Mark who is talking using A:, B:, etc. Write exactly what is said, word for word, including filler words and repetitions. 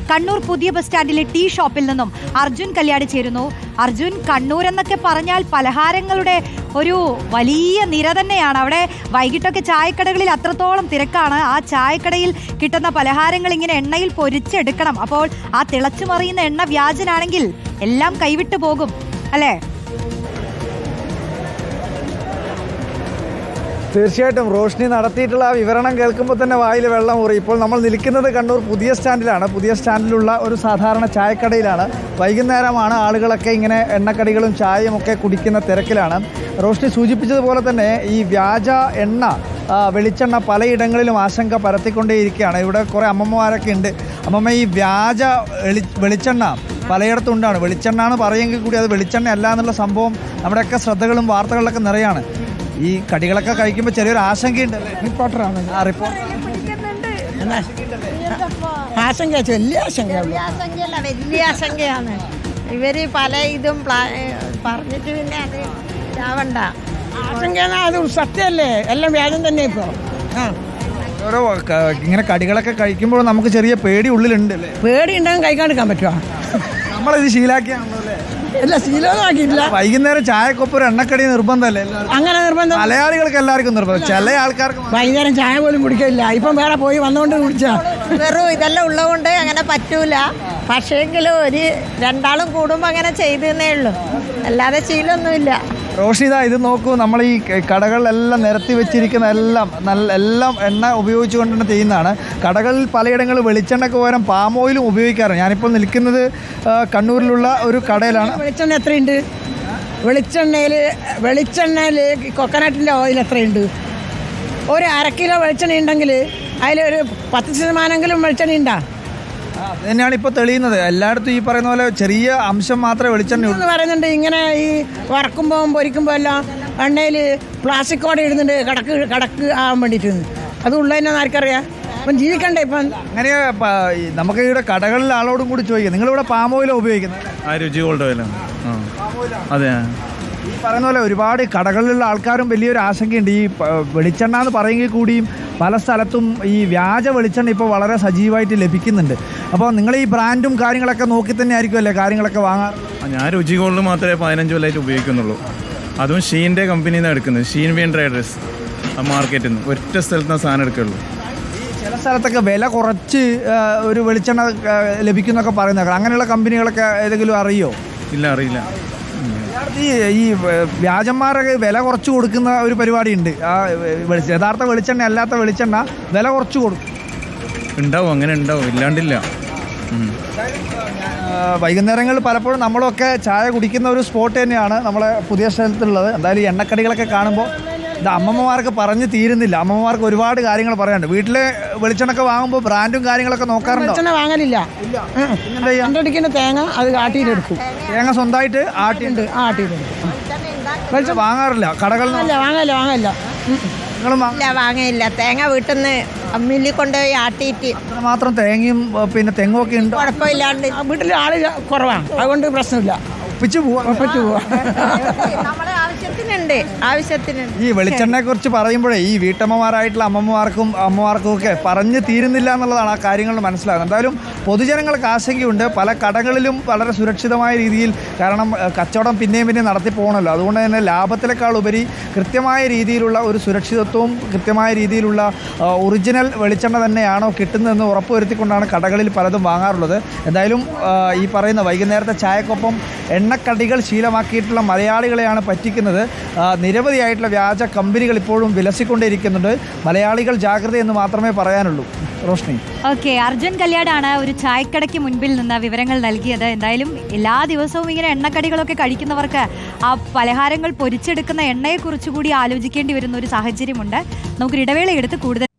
A: കണ്ണൂർ പുതിയ bus സ്റ്റാൻഡിലെ tea ഷോപ്പിൽ നിന്നും അർജുൻ കല്യാട് ചേരുന്നു. അർജുൻ, കണ്ണൂർ എന്നൊക്കെ പറഞ്ഞാൽ പലഹാരങ്ങളുടെ ഒരു വലിയ നിര തന്നെയാണ്. അവിടെ വൈകിട്ടൊക്കെ ചായക്കടകളിൽ അത്രത്തോളം തിരക്കാണ്. ആ ചായക്കടയിൽ കിട്ടുന്ന പലഹാരങ്ങൾ ഇങ്ങനെ എണ്ണയിൽ പൊരിച്ചെടുക്കണം. അപ്പോൾ ആ തിളച്ചു മറിയുന്ന എണ്ണ വ്യാജനാണെങ്കിൽ എല്ലാം കൈവിട്ടു പോകും അല്ലേ?
B: തീർച്ചയായിട്ടും റോഷ്നി നടത്തിയിട്ടുള്ള ആ വിവരണം കേൾക്കുമ്പോൾ തന്നെ വായിൽ വെള്ളം ഊറി. ഇപ്പോൾ നമ്മൾ നിൽക്കുന്നത് കണ്ണൂർ പുതിയ സ്റ്റാൻഡിലാണ്. പുതിയ സ്റ്റാൻഡിലുള്ള ഒരു സാധാരണ ചായക്കടയിലാണ്. വൈകുന്നേരമാണ്. ആളുകളൊക്കെ ഇങ്ങനെ എണ്ണക്കടികളും ചായയും ഒക്കെ കുടിക്കുന്ന തിരക്കിലാണ്. റോഷ്നി സൂചിപ്പിച്ചതുപോലെ തന്നെ ഈ വ്യാജ എണ്ണ, വെളിച്ചെണ്ണ പലയിടങ്ങളിലും ആശങ്ക പരത്തിക്കൊണ്ടേയിരിക്കുകയാണ്. ഇവിടെ കുറേ അമ്മമ്മമാരൊക്കെ ഉണ്ട്. അമ്മമ്മ, ഈ വ്യാജ വെളി വെളിച്ചെണ്ണ പലയിടത്തും ഉണ്ടാണ്. വെളിച്ചെണ്ണ എന്ന് പറയുമെങ്കിൽ കൂടി അത് വെളിച്ചെണ്ണ അല്ല എന്നുള്ള സംഭവം നമ്മുടെയൊക്കെ ശ്രദ്ധകളും വാർത്തകളിലൊക്കെ നിറയാണ്. ഈ കടികളൊക്കെ കഴിക്കുമ്പോൾ ചെറിയൊരു ആശങ്കയുണ്ടല്ലേ?
C: റിപ്പോർട്ടറാണ്.
B: ആ റിപ്പോർട്ട്
C: ആശങ്ക വലിയ ആശങ്കയാണ്.
D: ആശങ്കയല്ല, വലിയ ആശങ്കയാണ്. ഇവര് പല ഇതും പറഞ്ഞിട്ട് പിന്നെ അത് ഇതാവണ്ട.
C: ആശങ്ക അത് സത്യമല്ലേ, എല്ലാം വ്യാജം തന്നെ ഇപ്പോൾ. ആ
B: ഓരോ ഇങ്ങനെ കടികളൊക്കെ കഴിക്കുമ്പോൾ നമുക്ക് ചെറിയ പേടി ഉള്ളിലുണ്ട് അല്ലേ?
C: പേടി ഉണ്ടെങ്കിൽ കഴിക്കാണ്ടിരിക്കാൻ പറ്റുമോ?
B: നമ്മളിത് ശീലാക്കിയാണല്ലോ അല്ലേ?
C: അല്ല, ശീലമൊന്നും ആക്കിയിട്ടില്ല.
B: വൈകുന്നേരം ചായക്കൊപ്പം ഒരു എണ്ണക്കടി നിർബന്ധമല്ലേ?
C: അങ്ങനെ നിർബന്ധം
B: മലയാളികൾക്ക് എല്ലാവർക്കും നിർബന്ധം, ചില ആൾക്കാർക്ക്
C: വൈകുന്നേരം ചായ പോലും കുടിക്കില്ല. ഇപ്പം വേറെ പോയി വന്നുകൊണ്ട് കുടിച്ചാ
D: വെറും ഇതെല്ലാം ഉള്ളതുകൊണ്ട് അങ്ങനെ പറ്റൂല. പക്ഷേങ്കിലും ഒരു രണ്ടാളും കൂടുമ്പോൾ അങ്ങനെ ചെയ്തേ ഉള്ളൂ, അല്ലാതെ ശീലമൊന്നുമില്ല.
B: റോഷിത, ഇത് നോക്കൂ, നമ്മൾ ഈ കടകളിലെല്ലാം നിരത്തി വെച്ചിരിക്കുന്ന എല്ലാം നല്ല എല്ലാം എണ്ണ ഉപയോഗിച്ചുകൊണ്ട് തന്നെ ചെയ്യുന്നതാണ്. കടകളിൽ പലയിടങ്ങളിൽ വെളിച്ചെണ്ണയ്ക്ക് പകരം പാം ഓയിലും ഉപയോഗിക്കാറുണ്ട്. ഞാനിപ്പോൾ നിൽക്കുന്നത് കണ്ണൂരിലുള്ള ഒരു കടയിലാണ്.
C: വെളിച്ചെണ്ണ എത്രയുണ്ട്? വെളിച്ചെണ്ണയിൽ വെളിച്ചെണ്ണയിൽ കൊക്കനട്ടിൻ്റെ ഓയിൽ എത്രയുണ്ട്? ഒരു അര കിലോ വെളിച്ചെണ്ണ ഉണ്ടെങ്കിൽ അതിലൊരു പത്ത് ശതമാനമെങ്കിലും വെളിച്ചെണ്ണ ഉണ്ടാ.
B: അത് തന്നെയാണ് ഇപ്പോൾ തെളിയുന്നത്. എല്ലായിടത്തും ഈ പറയുന്ന പോലെ ചെറിയ അംശം മാത്രമേ വെളിച്ചെണ്ണ
C: എന്ന് പറയുന്നുണ്ട്. ഇങ്ങനെ ഈ വറക്കുമ്പോൾ പൊരിക്കുമ്പോൾ എല്ലാം എണ്ണയിൽ പ്ലാസ്റ്റിക് കോട ഇടുന്നുണ്ട്, കടക്ക് കടക്ക് ആവാൻ വേണ്ടിയിട്ട്. അത് ഉള്ളതെന്നു ആർക്കറിയാം? അപ്പം ജീവിക്കണ്ടേ ഇപ്പം?
B: അങ്ങനെ നമുക്ക് ഇവിടെ കടകളിൽ ആളോടും കൂടി ചോദിക്കാം, നിങ്ങളിവിടെ പാം ഓയിലാണ് ഉപയോഗിക്കുന്നത്?
E: ആ രുചി ഗോൾഡ് ഓയിലാണ്. അതെ,
B: ഈ പറയുന്ന പോലെ ഒരുപാട് കടകളിലുള്ള ആൾക്കാരും വലിയൊരു ആശങ്കയുണ്ട്. ഈ വെളിച്ചെണ്ണ എന്ന് പറയുമെങ്കിൽ കൂടിയും പല സ്ഥലത്തും ഈ വ്യാജ വെളിച്ചെണ്ണ ഇപ്പോൾ വളരെ സജീവമായിട്ട് ലഭിക്കുന്നുണ്ട്. അപ്പോൾ നിങ്ങൾ ഈ ബ്രാൻഡും കാര്യങ്ങളൊക്കെ നോക്കി തന്നെ ആയിരിക്കുമല്ലേ കാര്യങ്ങളൊക്കെ വാങ്ങാറ്?
E: ഞാൻ രുചി ഗോൾഡ് മാത്രമേ പതിനഞ്ച് കൊല്ലമായിട്ട് ഉപയോഗിക്കുന്നുള്ളൂ. അതും ഷീൻ്റെ കമ്പനിയിൽ നിന്ന് എടുക്കുന്നത്. ഷീൻ വീൻ ട്രേഡേഴ്സ് മാർക്കറ്റിൽ നിന്ന് ഒറ്റ സ്ഥലത്ത് നിന്ന് സാധനം എടുക്കുള്ളൂ.
B: ചില സ്ഥലത്തൊക്കെ വില കുറച്ച് ഒരു വെളിച്ചെണ്ണ ലഭിക്കുന്നൊക്കെ പറയുന്നത്, അങ്ങനെയുള്ള കമ്പനികളൊക്കെ ഏതെങ്കിലും അറിയോ?
E: ഇല്ല, അറിയില്ല.
B: ഈ ഈ വ്യാജന്മാരൊക്കെ വില കുറച്ച് കൊടുക്കുന്ന ഒരു പരിപാടിയുണ്ട്. ആ വെളിച്ചെണ്ണ, യഥാർത്ഥ വെളിച്ചെണ്ണ അല്ലാത്ത വെളിച്ചെണ്ണ വില കുറച്ച് കൊടുക്കും.
E: ഉണ്ടാവും, അങ്ങനെ ഉണ്ടാവും, ഇല്ലാണ്ടില്ല.
B: വൈകുന്നേരങ്ങളിൽ പലപ്പോഴും നമ്മളൊക്കെ ചായ കുടിക്കുന്ന ഒരു സ്പോട്ട് തന്നെയാണ് നമ്മളെ പുതിയ സ്ഥലത്തുള്ളത്. എന്തായാലും ഈ എണ്ണക്കടികളൊക്കെ കാണുമ്പോൾ ഇത് അമ്മമ്മമാർക്ക് പറഞ്ഞ് തീരുന്നില്ല. അമ്മമ്മമാർക്ക് ഒരുപാട് കാര്യങ്ങൾ പറയാനുണ്ട്. വീട്ടിലെ വെളിച്ചെണ്ണൊക്കെ വാങ്ങുമ്പോൾ ബ്രാൻഡും കാര്യങ്ങളൊക്കെ നോക്കാറുണ്ടോ?
C: വെളിച്ചെണ്ണ വാങ്ങലില്ല. എൻ്റെ അടിക്കുന്ന തേങ്ങ അത് ആട്ടിയിലെടുക്കും.
B: തേങ്ങ സ്വന്തമായിട്ട് ആട്ടിയുണ്ട്,
C: ആട്ടിയിലെടുക്കും.
B: വെളിച്ചെണ്ണ വാങ്ങാറില്ല കടകളിൽ?
C: വാങ്ങല്ല വാങ്ങല്ല
B: നിങ്ങളും
D: ഇല്ല, വാങ്ങയില്ല. തേങ്ങ വീട്ടിൽ നിന്ന് അമ്മില്ലി കൊണ്ടുപോയി ആട്ടിയിട്ട്
B: മാത്രം തേങ്ങയും പിന്നെ തെങ്ങും ഒക്കെ ഉണ്ട്.
D: കുഴപ്പമില്ലാണ്ട്
C: വീട്ടിൽ ആള് കുറവാണ്, അതുകൊണ്ട് പ്രശ്നമില്ല.
B: ഒപ്പിച്ച് പോവാ
C: ഒപ്പിച്ച് പോവാ.
D: നമ്മളെ ആവശ്യത്തിനുണ്ട് ആവശ്യത്തിനുണ്ട്
B: ഈ വെളിച്ചെണ്ണയെ കുറിച്ച് പറയുമ്പോഴേ ഈ വീട്ടമ്മമാരായിട്ടുള്ള അമ്മമാർക്കും അമ്മമാർക്കും ഒക്കെ പറഞ്ഞു തീരുന്നില്ല എന്നുള്ളതാണ് ആ കാര്യങ്ങൾ മനസ്സിലാകുന്നത്. എന്തായാലും പൊതുജനങ്ങൾക്ക് ആശങ്കയുണ്ട്. പല കടകളിലും വളരെ സുരക്ഷിതമായ രീതിയിൽ, കാരണം കച്ചവടം പിന്നെയും പിന്നെയും നടത്തി പോകണമല്ലോ, അതുകൊണ്ട് തന്നെ ലാഭത്തിനേക്കാൾ ഉപരി കൃത്യമായ രീതിയിലുള്ള ഒരു സുരക്ഷിതത്വവും കൃത്യമായ രീതിയിലുള്ള ഒറിജിനൽ വെളിച്ചെണ്ണ തന്നെയാണോ കിട്ടുന്നതെന്ന് ഉറപ്പുവരുത്തിക്കൊണ്ടാണ് കടകളിൽ പലതും വാങ്ങാറുള്ളത്. എന്തായാലും ഈ പറയുന്ന വൈകുന്നേരത്തെ ചായക്കൊപ്പം എണ്ണക്കടികൾ ശീലമാക്കിയിട്ടുള്ള മലയാളികളെയാണ് പറ്റിക്കുന്നത്. നിരവധിയായിട്ടുള്ള വ്യാജ കമ്പനികൾ ഇപ്പോഴും വിലസിക്കൊണ്ടേയിരിക്കുന്നുണ്ട്. മലയാളികൾ ജാഗ്രത എന്ന് മാത്രമേ പറയാനുള്ളൂ. റോഷ്നി,
A: ഓക്കെ, അർജുൻ കല്യാടാണ് ഒരു ചായക്കടയ്ക്ക് മുൻപിൽ നിന്ന് വിവരങ്ങൾ നൽകിയത്. എന്തായാലും എല്ലാ ദിവസവും ഇങ്ങനെ എണ്ണക്കടികളൊക്കെ കഴിക്കുന്നവർക്ക് ആ പലഹാരങ്ങൾ പൊരിച്ചെടുക്കുന്ന എണ്ണയെക്കുറിച്ച് കൂടി ആലോചിക്കേണ്ടി വരുന്ന ഒരു സാഹചര്യമുണ്ട്. നമുക്കൊരു ഇടവേള എടുത്ത് കൂടുതൽ